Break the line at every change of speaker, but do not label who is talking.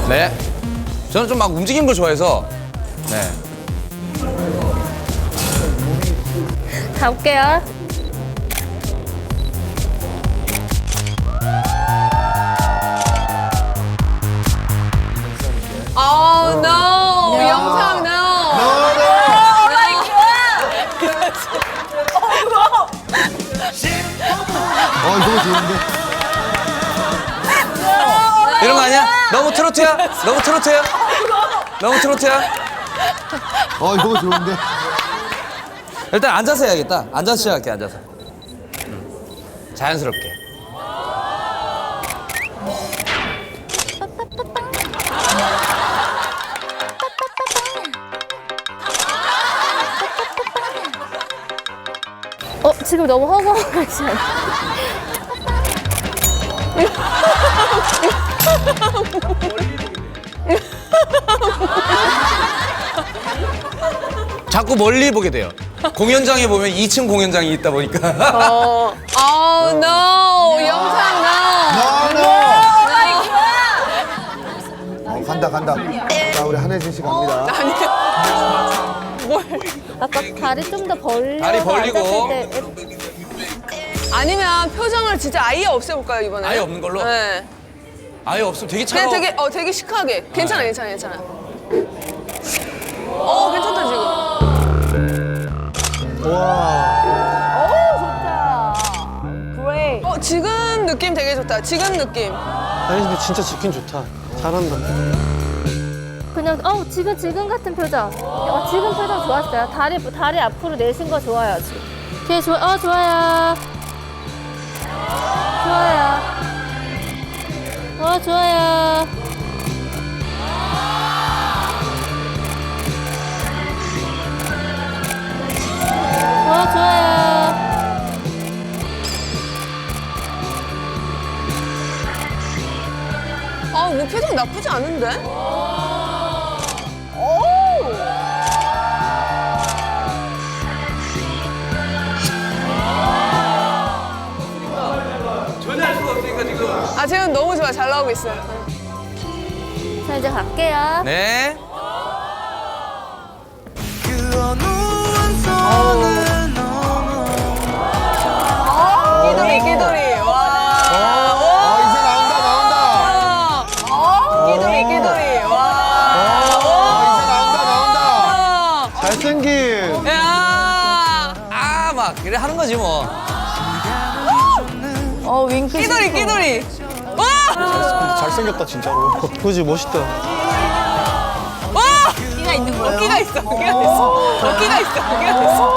네. 저는 좀 막 움직이는 걸 좋아해서. 네.
가볼게요.
Oh no! 영상 no!
이거 좋은데?
이런 거 아니야? 너무 트로트야? 너무 트로트야? 너무 트로트야?
이거 좋은데?
일단 앉아서 해야겠다. 앉아서 시작할게, 앉아서. 자연스럽게.
지금 너무 허공하지 않아?
자꾸 멀리 보게 돼요. 공연장에 보면 2층 공연장이 있다 보니까.
Oh no! 영상 no!
간다. 자, 우리 한혜진 씨 갑니다.
아까 다리 좀 더 벌려.
다리 벌리고.
아니면 표정을 진짜 아예 없애볼까요 이번에?
아예 없는 걸로?
네.
아예 없으면 되게
그냥
차가워.
되게 시크하게. 괜찮아. 괜찮다 지금. 지금 느낌 되게 좋다. 지금 느낌.
아니 근데 진짜 지킨 좋다. 잘한다.
그냥 지금 같은 표정. 지금 표정 좋았어요. 다리 앞으로 내신 거 좋아요. 지금. 오케이 좋아요. 좋아요. 좋아요. 좋아요.
뭐 표정 나쁘지 않은데?
전혀 할 수가 없으니까 지금.
지금 너무 좋아. 잘 나오고 있어요.
자, 이제 갈게요.
네.
끼돌이. 와.
이제 나온다.
끼돌이. 와.
이제 나온다.
잘생김.
야.
막 그래 하는 거지 뭐.
끼돌이. 와.
잘생겼다 진짜로. 그지 멋있다.
와. 끼가 있는 거야. 끼가 있어.